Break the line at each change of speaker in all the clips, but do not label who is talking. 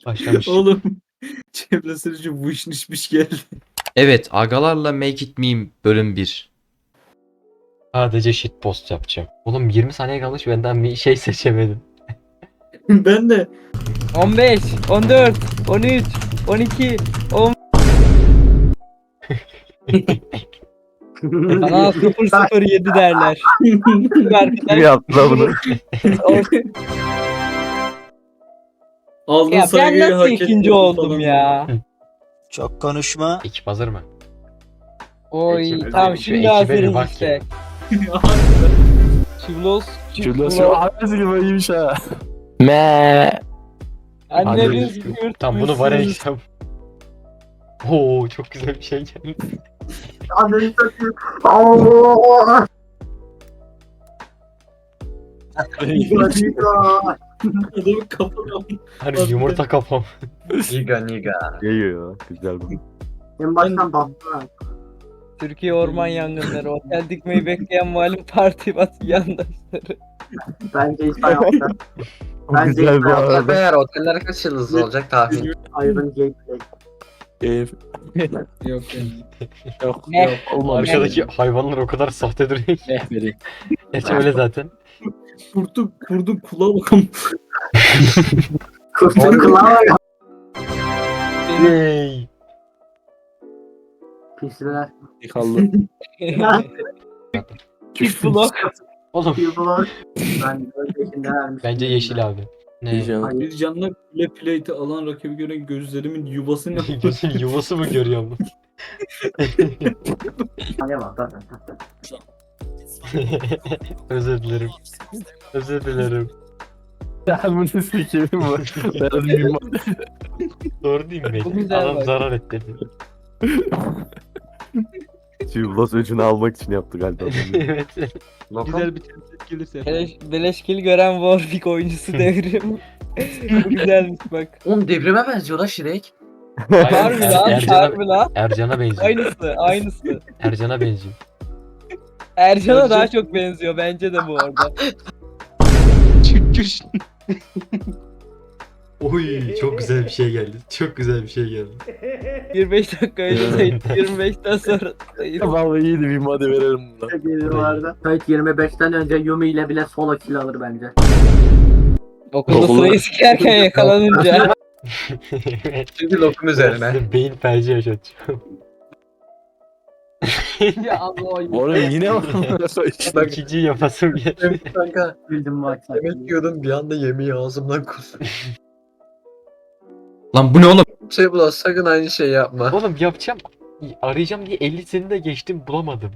Başlamış.
Oğlum çevre sürücü vışnışmış geldi.
Evet, agalarla Make It Meme bölüm 1.
Sadece shitpost yapacağım. Oğlum 20 saniye kalmış benden bir şey seçemedim.
Ben de
15, 14, 13, 12, 10. Bana 007 derler.
Kim yaptı lan bunu?
aldığın
Ya ben
saygıyı
nasıl
hak ettin
ikinci oldum
falan.
ya?
Çok konuşma.
Ekip hazır mı?
Oy
Ekip-
tamam
şu
şimdi
ekibe bir
hazırız
bak
işte.
ya.
Çivlos,
Şurada annesi gibi iyiymiş ha.
Annemiz
Hadi.
yurt.
Tamam bunu var edeceğim. Oo çok güzel bir şey geldi.
Anneni satayım.
Adamın kafana.
Harbi yumurta kafam.
Niga.
Geliyor. Güzel bu.
En baştan bastılar.
Türkiye orman yangınları. Otel dikmeyi bekleyen malum parti batı yandaşları.
Bence hiç hayatta.
Bu
Bence
güzel bu
hiç
arada.
Eğer oteller kaç yıldızlı olacak tahmin.
Iron Gameplay.
Yok yani.
Ne?
Arkadaki hayvanlar o kadar sahte duruyor ki. Gerçi öyle zaten.
Kurdun kulağa bakalım.
Kurtun kulağı ya.
Yay.
Pisler.
Yıkaldı.
Çift blok.
Oğlum
Pisler. Ben öncekinde vermiştim.
bence yeşil abi. Ne?
Bir canlı kule plate'i alan rakibi gören gözlerimin yuvası ne?
Gözün yuvası mı görüyor bu?
Ne var zaten.
Özür dilerim. Özür dilerim.
Ya bunu sikeyim bu. Ben bilmem.
Doğru değil mi?
Bu güzel
Adam
bak.
zarar etti.
Tüylas öcünü almak için yaptı galiba.
Evet.
Güzel bir
Beleşkil gören Warwick oyuncusu devrim. Bu güzelmiş bak.
Oğlum devrime benziyor lan Şirek.
Harbi lan, harbi lan.
Ercan'a benziyor.
Aynısı.
Ercan'a benziyor.
Ercan'a daha çok benziyor bence de bu arada.
Oy çok güzel bir şey geldi. Çok güzel bir şey geldi.
25 dakika önce sayın, 25'ten sonra sayın.
Vallahi iyiydi bir hadi verelim buna.
Geliyorlardı. Kayıt 25'ten önce Yumi ile bile solo kill alır bence.
Okulda sırayı sikerken yakalanınca.
Çünkü lokum üzerine.
Size beyin felci yaşatacağım.
Ya Allah.
Oğlum yine var mı?
Bak ikinciyi yapasım geldi.
Evet kanka.
Bildim bak.
Yemek yiyordum bir anda yemeği ağzımdan kustum.
Lan bu ne oğlum?
Şey bulan sakın aynı şey yapma.
Oğlum yapacağım. Arayacağım diye 50 seni de geçtim bulamadım.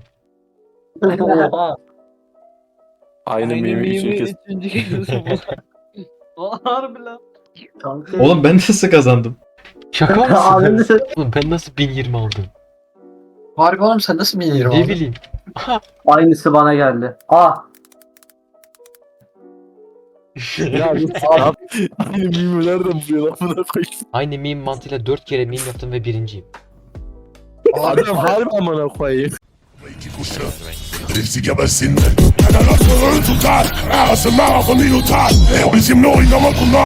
Aynı mimi için kes.
Üçüncü kez bu. Harbi lan.
Oğlum ben nasıl kazandım?
Şaka
Abi
mısın? Oğlum ben nasıl 1020 aldım?
Harbi oğlum sen nasıl bin
Ne bileyim.
Aynısı bana geldi.
Ya aynı mimi nereden buluyor lan buna koyayım.
Aynı meme mantığıyla 4 kere meme yaptım ve birinciyim.
Adam harbi amına koyayım.
Riski gebersin. Cada nosso tutar, a semana comigo tá. Eu me sinto